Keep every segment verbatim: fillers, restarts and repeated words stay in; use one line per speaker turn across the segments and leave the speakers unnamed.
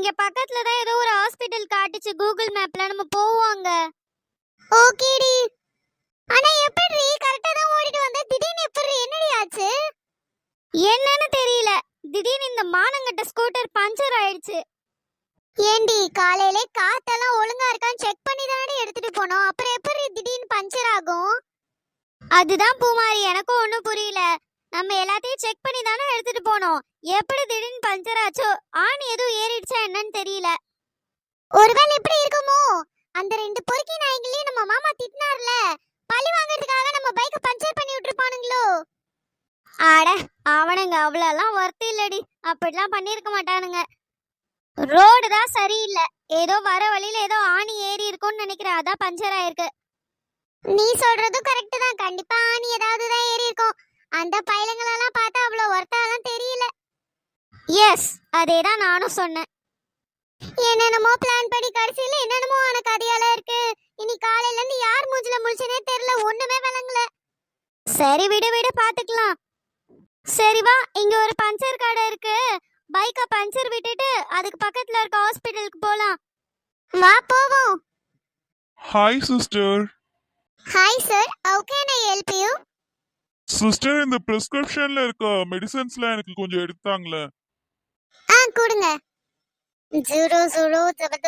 இங்க பக்கத்துல தான் ஏதோ ஒரு ஹாஸ்பிடல் காட்டுச்சு கூகுள் மேப்ல, நம்ம போவாங்க.
ஓகேடி. ஆனா எப்படி கரெக்ட்டா தான் ஓடிட்டு வந்த, திடீர்னு எப்படி என்னடி ஆச்சு?
என்னன்னு தெரியல, திடீர்னு இந்த மானங்கட்ட ஸ்கூட்டர் பஞ்சர் ஆயிடுச்சு.
ஏண்டி காலையிலே காத்தெல்லாம் ஒழுங்கா இருக்கான்னு செக் பண்ணி தானே எடுத்துட்டு போனோம், அப்புறம் எப்படி திடீர்னு பஞ்சர் ஆகும்?
அதுதான் பூமாரி, எனக்கும் ஒன்றும் புரியல. நம்ம எல்லாத்தையும் செக் பண்ணி தானே எடுத்துட்டு போனோம், எப்படி திடீர்னு பஞ்சர் ஆச்சோ? ஆணி எதுவும் ஏறிடுச்சா என்னன்னு தெரியல.
ஒருவேளை எப்படி இருக்குமோ, அந்த ரெண்டு பொறுக்கி நாய்களையும் நம்ம மாமா திட்டினார்ல, பழி வாங்குறதுக்காக நம்ம பைக்க பஞ்சர் பண்ணி விட்டுருப்பானுங்களோ?
ஆட, அவனுங்க அவ்வளோலாம் ஒர்த்து இல்லடி, அப்படிலாம் பண்ணியிருக்க மாட்டானுங்க. ரோடு தான் சரியில்லை, ஏதோ வர வழியில ஏதோ ஆணி ஏறி இருக்கும்னு நினைக்கிறேன், அதான் பஞ்சர் ஆயிருக்கு.
நீ சொல்றதும் கரெக்ட் தான், கண்டிப்பா ஆணி ஏதாவது தான் ஏறி இருக்கும். அந்த பைலங்களெல்லாம் பார்த்தா அவ்வளோ ஒர்த்தாலாம் தெரியல.
எஸ், அதே தான் நானும் சொன்னேன்.
என்னென்னமோ பிளான் படி கடைசியில என்னென்னமோ ஆன கதையால இருக்கு. இனி காலையில இருந்து யார் மூஞ்சில முழிச்சனே தெரியல, ஒண்ணுமே விளங்கல.
சரி விடு விடு, பாத்துக்கலாம். சரி வா, இங்க ஒரு பஞ்சர் கடை இருக்கு, பைக்க பஞ்சர் விட்டுட்டு அதுக்கு பக்கத்துல இருக்க ஹாஸ்பிடலுக்கு போலாம்.
வா போவோம்.
Hi sister.
Hi sir, how can I help you?
Sister, இந்த பிரிஸ்கிரிப்ஷன்ல இருக்க மெடிசன்ஸ்லாம் எனக்கு கொஞ்சம் எடுத்தாங்களே.
ஆ கொடுங்க. ஜீரோ ஜீரோ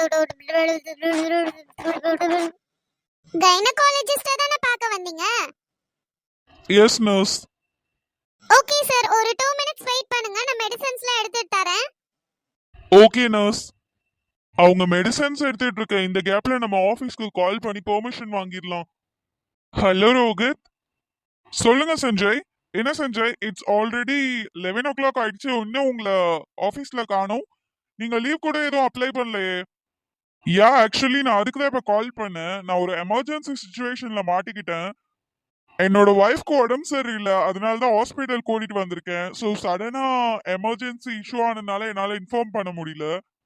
கைனகாலஜிஸ்ட தான பார்க்க வந்தீங்க?
Yes nurse.
ஓகே சார், ஒரு டூ மினிட்ஸ் வெயிட் பண்ணுங்க, நான் மெடிசன்ஸ்லாம் எடுத்துட்டு தரேன்.
Okay nurse. அவங்க மெடிசன்ஸ் எடுத்துட்டு இருக்க இந்த கேப்ல நம்ம ஆபீஸ்க்கு கால் பண்ணி பெர்மிஷன் வாங்கிடலாம். ஹலோ ரோஹித். சொல்லுங்க சஞ்சய். என்ன Sanjay, it's already eleven o'clock ஆயிடுச்சு, இன்னும் உங்களை ஆஃபீஸில் காணோம். நீங்கள் லீவ் கூட எதுவும் அப்ளை பண்ணலையே. யா, ஆக்சுவலி நான் அதுக்கு தான் இப்போ கால் பண்ணேன். நான் ஒரு எமர்ஜென்சி சுச்சுவேஷனில் மாட்டிக்கிட்டேன். என்னோட ஒய்ஃப்க்கு உடம்பு சரியில்லை, அதனால தான் ஹாஸ்பிட்டல் கூட்டிட்டு வந்திருக்கேன். ஸோ சடனாக எமர்ஜென்சி இஷ்யூ ஆனதுனால என்னால் இன்ஃபார்ம் பண்ண முடியல.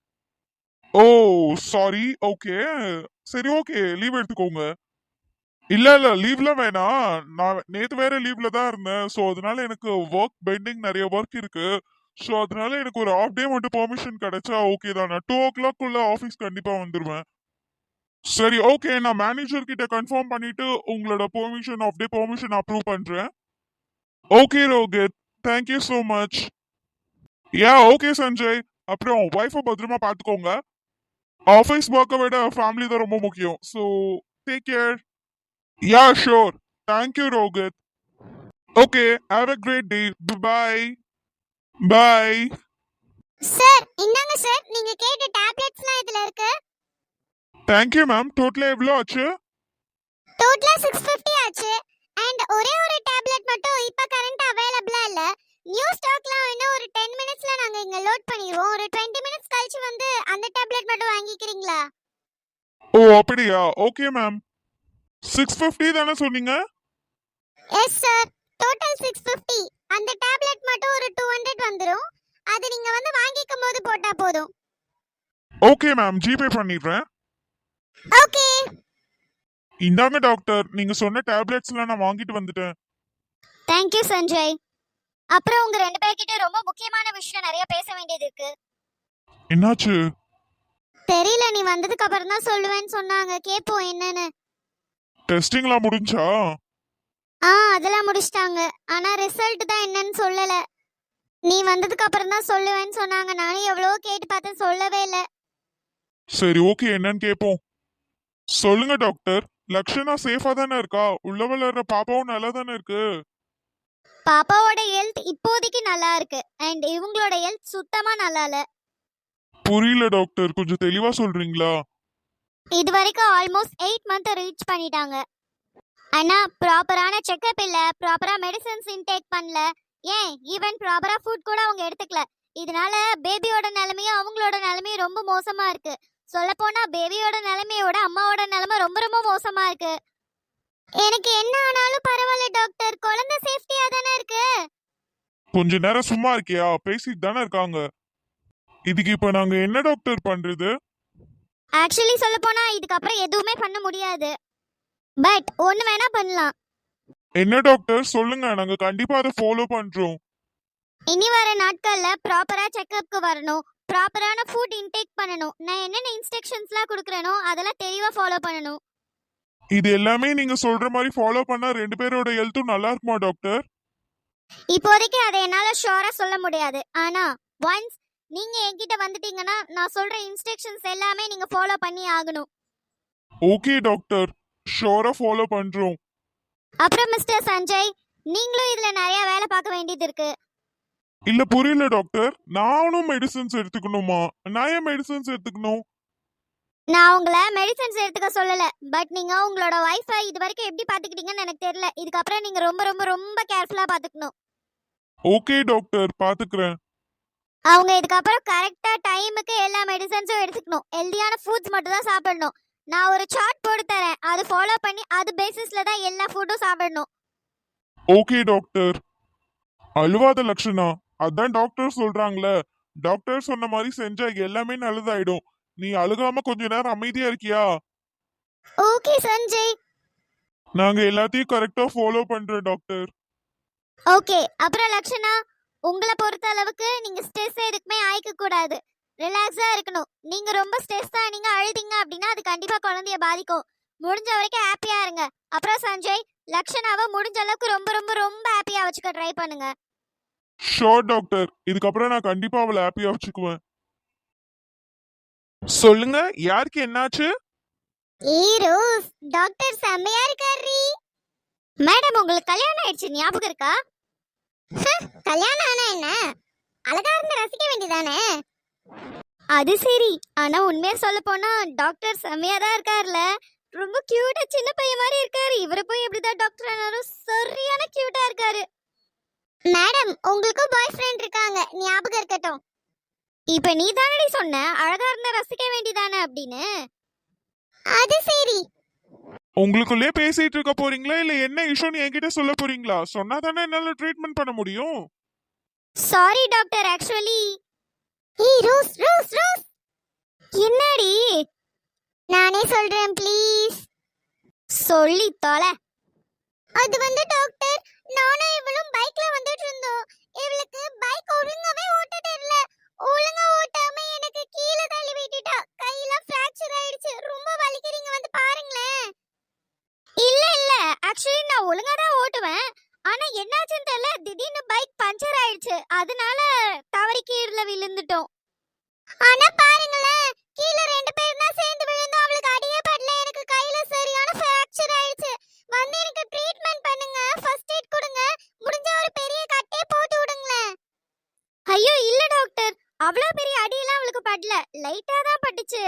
Oh sorry. ஓகே சரி, ஓகே லீவ் எடுத்துக்கோங்க. இல்ல இல்ல லீவ்லாம் வேணாம், நான் நேத்து வேற லீவ்ல தான் இருந்தேன். ஸோ அதனால எனக்கு ஒர்க் பெண்டிங் நிறைய ஒர்க் இருக்கு. ஸோ அதனால எனக்கு ஒரு ஹாஃப் டே மட்டும் பெர்மிஷன் கிடைச்சா ஓகே தான். நான் டூ ஓ கிளாக் உள்ள ஆஃபீஸ் கண்டிப்பா வந்துடுவேன். சரி ஓகே, நான் மேனேஜர் கிட்ட கன்ஃபார்ம் பண்ணிட்டு உங்களோட permission half day permission approve பண்றேன். Okay Rohit, thank you so much. Yeah okay Sanjay. அப்புறம் ஒய்ஃபை பத்திரமா பார்த்துக்கோங்க. ஆஃபீஸ் ஒர்க்கை விட ஃபேமிலி தான் ரொம்ப முக்கியம். So take care. Yeah, sure. Thank you, Rohit. Okay, have a great day. Bye-bye. Bye.
Sir இந்தாங்க சார், நீங்க கேட்ட டேப்லெட்ஸ்லாம் இதுல இருக்கு.
Thank you, ma'am. Total எவ்வளோ ஆச்சு?
டோட்டலா சிக்ஸ் ஃபிஃப்டி ஆச்சு. அண்ட் ஒரே ஒரு டேப்லெட் மட்டும் இப்ப கரண்ட் அவேலபிளா இல்ல. நியூ ஸ்டாக்லாம் இன்னும் ஒரு டென் மினிட்ஸ்ல நாங்க இங்க லோட் பண்ணிடுவோம். ஒரு டுவெண்ட்டி மினிட்ஸ் கழிச்சு வந்து அந்த டேப்லெட் மட்டும் வாங்கிக்கிறீங்களா?
ஓ அப்படியா? Okay ma'am. சிக்ஸ் ஃபிஃப்டி தானே சொன்னீங்க?
Yes sir, total six fifty. அந்த டேப்லெட் மட்டும் ஒரு டூ ஹண்ட்ரட் வந்துரும். அது நீங்க வந்து வாங்கிக்கும் போது போட்டா போதும்.
ஓகே மேம், ஜிபே பண்ணிடுறேன்.
ஓகே.
இந்தாங்க டாக்டர், நீங்க சொன்ன டேப்லெட்ஸ்லாம் நான் வாங்கிட்டு வந்துட்டேன்.
தேங்க்யூ சஞ்சய். அப்புறம் உங்க ரெண்டு பேர்கிட்ட ரொம்ப முக்கியமான விஷயம் நிறைய பேச வேண்டியது இருக்கு.
என்னாச்சு?
தெரியல, நீ வந்ததுக்கு அப்புறம் தான் சொல்லுவேன்னு சொன்னாங்க, கேட்போம் என்னன்னு.
டெஸ்டிங்லாம் முடிஞ்சா?
ஆ அதெல்லாம் முடிச்சிட்டாங்க, ஆனா ரிசல்ட் தான் என்னன்னு சொல்லல. நீ வந்ததுக்கு அப்புறம் தான் சொல்லுவேன்னு சொன்னாங்க. நானும் எவ்வளவோ கேட்டு பார்த்தேன், சொல்லவே இல்லை.
சரி ஓகே, என்னன்னு கேட்போம். சொல்லுங்க டாக்டர், லக்ஷனா சேஃபா தானே இருக்கா? உள்ள வளர்ற பாப்பாவும் நல்லா தானே இருக்கு?
பாப்பாவோட ஹெல்த் இப்போதைக்கு நல்லா இருக்கு, அண்ட் இவங்களோட ஹெல்த் சுத்தமா நல்லா இல்ல.
புரியல டாக்டர், கொஞ்சம் தெளிவா சொல்றீங்களா?
இது வரைக்கும் ஆல்மோஸ்ட் எயிட் மந்த் ரீச் பண்ணிட்டாங்க. ஆனா ப்ராப்பரான செக்அப் இல்ல, ப்ராப்பரா மெடிசன்ஸ் இன்டேக் பண்ணல, ஏன் ஈவன் ப்ராப்பரா ஃபுட் கூட அவங்க எடுத்துக்கல. இதனால பேபியோட நிலைமையும் அவங்களோட நிலைமையும் ரொம்ப மோசமா இருக்கு. சொல்ல போனா பேபியோட நிலைமையோட அம்மாவோட நிலைமை ரொம்ப ரொம்ப மோசமா இருக்கு. எனக்கு என்ன ஆனாலும் பரவாயில்ல டாக்டர், குழந்தை சேஃப்டியா தானே இருக்கு.
கொஞ்ச நேரம் சும்மா இருக்கியா? பேசிட்டு தானே இருக்காங்க. இதுக்கு இப்ப நாங்க என்ன டாக்டர் பண்றது?
ஆக்சுவலி சொல்ல போனா இதுக்கப்புறம் எதுவுமே பண்ண முடியாது, பட் ஒன்னு வேணா பண்ணலாம்.
என்ன டாக்டர் சொல்லுங்க, நாங்க கண்டிப்பா அதை ஃபாலோ பண்றோம்.
இனி வர நாட்கள்ல ப்ராப்பரா செக்அப்க்கு வரணும். ப்ராப்பரான ஃபுட் இன்டேக் பண்ணணும். நான் என்னென்ன இன்ஸ்ட்ரக்ஷன்ஸ்லாம் கொடுக்குறேனோ அதெல்லாம் தெளிவா ஃபாலோ பண்ணணும்.
இது எல்லாமே நீங்க சொல்ற மாதிரி ஃபாலோ பண்ணா ரெண்டு பேரோட ஹெல்த்தும் நல்லா இருக்குமா டாக்டர்?
இப்போதைக்கு அதை என்னால ஷூரா சொல்ல முடியாது. ஆனா ஒன்ஸ் நீங்க என்கிட்ட வந்துட்டீங்கன்னா நான் சொல்ற இன்ஸ்ட்ரக்ஷன்ஸ் எல்லாமே நீங்க ஃபாலோ பண்ணி ஆகணும்.
ஓகே டாக்டர், ஷோரா ஃபாலோ பண்றோம்.
அப்புறம் மிஸ்டர் சஞ்சய், நீங்களும் இதுல நிறைய வேலை பார்க்க வேண்டியது இருக்கு.
இல்ல புரியல டாக்டர், நானும் மெடிசன்ஸ் எடுத்துக்கணுமா? நான் ஏன் மெடிசன்ஸ் எடுத்துக்கணும்?
நான் உங்களை மெடிசன்ஸ் எடுத்துக்க சொல்லல, பட் நீங்க உங்களோட வைஃபை இது வரைக்கும் எப்படி பாத்துக்கிட்டீங்கன்னு எனக்கு தெரியல. இதுக்கப்புறம் நீங்க ரொம்ப ரொம்ப ரொம்ப கேர்ஃபுல்லா பாத்துக்கணும்.
ஓகே டாக்டர், பாத்துக்கிறேன்.
அவங்க இதுக்கப்புறம் கரெக்டா டைமுக்கு எல்லா மெடிசன்ஸும் எடுத்துக்கணும். ஹெல்தியான ஃபுட்ஸ் மட்டும் தான் சாப்பிடணும். நான் ஒரு சார்ட் போட்டு தரேன், அது ஃபாலோ பண்ணி அது பேசிஸ்ல தான் எல்லா ஃபுட்டும் சாப்பிடணும்.
Okay doctor. அழுவாத லட்சணா, அதான் டாக்டர் சொல்றாங்களே, டாக்டர் சொன்ன மாதிரி செஞ்சா எல்லாமே நல்லதாயிடும். நீ அழுகாம கொஞ்ச நேரம் அமைதியா இருக்கியா?
ஓகே சஞ்சய்.
நாங்க எல்லாத்தையும் கரெக்டா ஃபாலோ பண்றோம் டாக்டர்.
ஓகே, அப்புறம் லக்ஷனா, உங்களை பொறுத்த அளவுக்கு நீங்க ஸ்ட்ரெஸ் எதுக்குமே ஆயிக்க கூடாது. ரிலாக்ஸா இருக்கணும். நீங்க ரொம்ப ஸ்ட்ரெஸ்ஸா நீங்க அழுதிங்க அப்படின்னா அது கண்டிப்பா குழந்தைய பாதிக்கும். முடிஞ்ச வரைக்கும் ஹாப்பியா இருங்க. அப்புறம் சஞ்சய், லக்ஷனாவை முடிஞ்ச அளவுக்கு ரொம்ப ரொம்ப ரொம்ப ஹாப்பியா வச்சுக்க ட்ரை பண்ணுங்க.
ஷோர் டாக்டர், இதுக்கப்புறம் நான் கண்டிப்பா அவளை ஹாப்பியா வச்சுக்குவேன். சொல்லுங்க, யாருக்கு என்னாச்சு?
ஏய் ரோஸ், டாக்டர் செம்மையா இருக்காரு.
மேடம், உங்களுக்கு கல்யாணம் ஆயிடுச்சு ஞாபகம் இருக்கா?
கல்யாணம் ஆனா என்ன, அழகா இருந்து ரசிக்க வேண்டியதானே.
அது சரி, ஆனா உண்மையா சொல்ல போனா டாக்டர் செம்மையா தான் இருக்காருல்ல. ரொம்ப கியூட்டா சின்ன பையன் மாதிரி இருக்காரு. இவரை போய் எப்படிதான் டாக்டர் ஆனாலும் சரியான கியூட்டா இருக்காரு.
மேடம், உங்களுக்கும் பாய் ஃப்ரெண்ட் இருக்காங்க, ஞாபகம் இருக்கட்டும்.
இப்ப நீ தானடி சொன்ன அழகா இருந்தா ரசிக்க வேண்டியதானே அப்படின்னு.
அது சரி.
உங்களுக்குள்ளே பேசிட்டு இருக்க போறீங்களா இல்ல என்ன இஷ்யூன்னு என்கிட்ட சொல்ல போறீங்களா? சொன்னா தானே என்னால ட்ரீட்மெண்ட் பண்ண முடியும்.
Sorry doctor, actually.
ஏய் ரோஸ் ரோஸ் ரோஸ்,
என்னடி?
நானே சொல்றேன் ப்ளீஸ்.
சொல்லி தொலை.
அது வந்து டாக்டர், நானும் இவளும் பைக்ல வந்துட்டு இருந்தோம். இவளுக்கு பைக் ஒழுங்காவே ஓட்ட தெரியல. ஒழுங்கா ஓட்டாம எனக்கு கீழே தள்ளி விட்டுட்டா. கையில ஃப்ராக்சர் ஆயிடுச்சு. ரொம்ப வலிக்குறீங்க, வந்து பாருங்களேன்.
இல்ல இல்ல, ஆக்சுவலி நான் ஒழுங்கா தான் ஓட்டுவேன். ஆனா என்னாச்சுன்னு தெரியல, திடீர்னு பைக் பஞ்சர் ஆயிடுச்சு. அதனால தவறி கீழே விழுந்துட்டோம்.
ஆனா பாருங்களேன், கீழே ரெண்டு பேரும் தான் சேர்ந்து விழுந்தோம். அவளுக்கு அடியே படல, எனக்கு கையில சரியான ஃப்ராக்சர் ஆயிடுச்சு. வந்து எனக்கு ட்ரீட்மெண்ட் பண்ணுங்க, ஃபர்ஸ்ட் எய்ட் கொடுங்க, முடிஞ்ச ஒரு பெரிய கட்டே போட்டு விடுங்களேன்.
ஐயோ இல்ல டாக்டர், அவ்வளோ பெரிய அடியெல்லாம் அவளுக்கு படல, லைட்டா தான் பட்டுச்சு.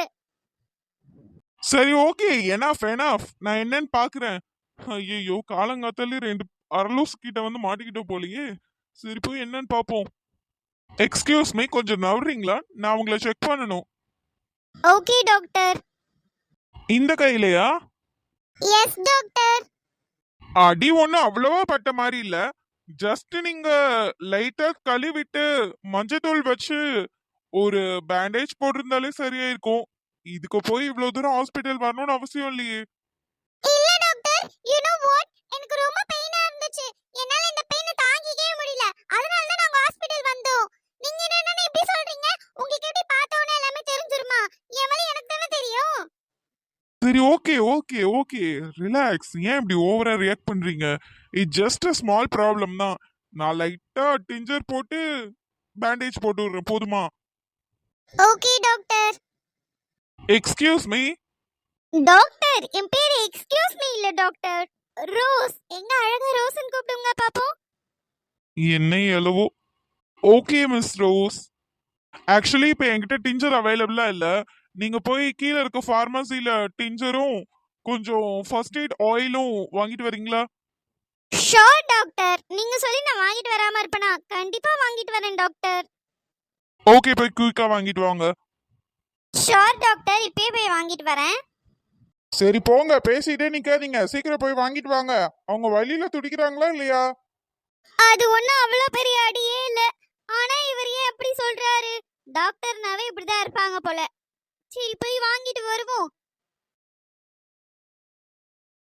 சரி ஓகே, எனாஃப் எனாஃப், நான் என்னன்னு பாக்குறேன். ஐயோ, காலங்காத்தாலே ரெண்டு அரலூஸ் கிட்ட வந்து மாட்டிக்கிட்டோம் போலயே. சரி போய் என்னன்னு பாப்போம். எக்ஸ்கியூஸ் மீ, கொஞ்சம் நவறீங்களா? நான் உங்களை செக் பண்ணணும்.
Okay doctor.
இந்த கையிலையா?
Yes doctor.
அடி ஒண்ணு அவ்வளவா பட்ட மாதிரி இல்ல. ஜஸ்ட் நீங்க லைட்டா கழுவிட்டு மஞ்சத்தூள் வச்சு ஒரு பேண்டேஜ் போட்டிருந்தாலே சரியா இருக்கும். இதுக்கு போய் இவ்வளவு தூரம் ஹாஸ்பிட்டல் வரணும்னு அவசியம் இல்லையே.
இல்ல டாக்டர், யூ நோ வாட், எனக்கு ரொம்ப பெயினா இருந்துச்சு. என்னால இந்த பெயினை தாங்கிக்கவே முடியல. அதனால தான் நாங்க ஹாஸ்பிடல் வந்தோம். நீங்க என்னன்னு இப்படி சொல்றீங்க? உங்களுக்கு எப்படி பார்த்தோனே எல்லாமே தெரிஞ்சிருமா? எவளே எனக்கு தானே தெரியும்.
சரி ஓகே ஓகே ஓகே, ரிலாக்ஸ். ஏன் இப்படி ஓவரா ரியாக்ட் பண்றீங்க? It just a small problem தான். நான் லைட்டா டிஞ்சர் போட்டு பேண்டேஜ் போட்டு விடுறேன், போதுமா?
Okay doctor.
Excuse me.
Doctor, என் பேரு எக்ஸ்கியூஸ் மீ இல்ல டாக்டர், ரோஸ். எங்க அழகா ரோஸ்ன்னு கூப்பிடுங்க பாப்போம்.
என்ன எலவோ. ஓகே மிஸ் ரோஸ், ஆக்சுவலி இப்போ என்கிட்ட டிஞ்சர் அவைலபிளா இல்ல. நீங்க போய் கீழே இருக்க ஃபார்மசில டிஞ்சரும் கொஞ்சம் ஃபர்ஸ்ட் எய்ட் ஆயிலும் வாங்கிட்டு வரீங்களா?
ஷோர் டாக்டர், நீங்க சொல்லி நான் வாங்கிட்டு வராம இருப்பேனா? கண்டிப்பா வாங்கிட்டு வரேன் டாக்டர்.
ஓகே, போய் குயிக்கா வாங்கிட்டு வாங்க.
ஷோர் டாக்டர், இப்பயே போய் வாங்கிட்டு வரேன்.
சரி போங்க, பேசிட்டே நிக்காதீங்க, சீக்கிரம் போய் வாங்கிட்டு வாங்க. அவங்க வழியில துடிக்கிறாங்களா இல்லையா?
அது ஒண்ணும் அவ்வளோ பெரிய அடியே இல்ல. ஆனா இவர் ஏன் அப்படி சொல்றாரு? டாக்டர்னாவே இப்படிதான் இருப்பாங்க போல. சரி போய் வாங்கிட்டு வருவோம்.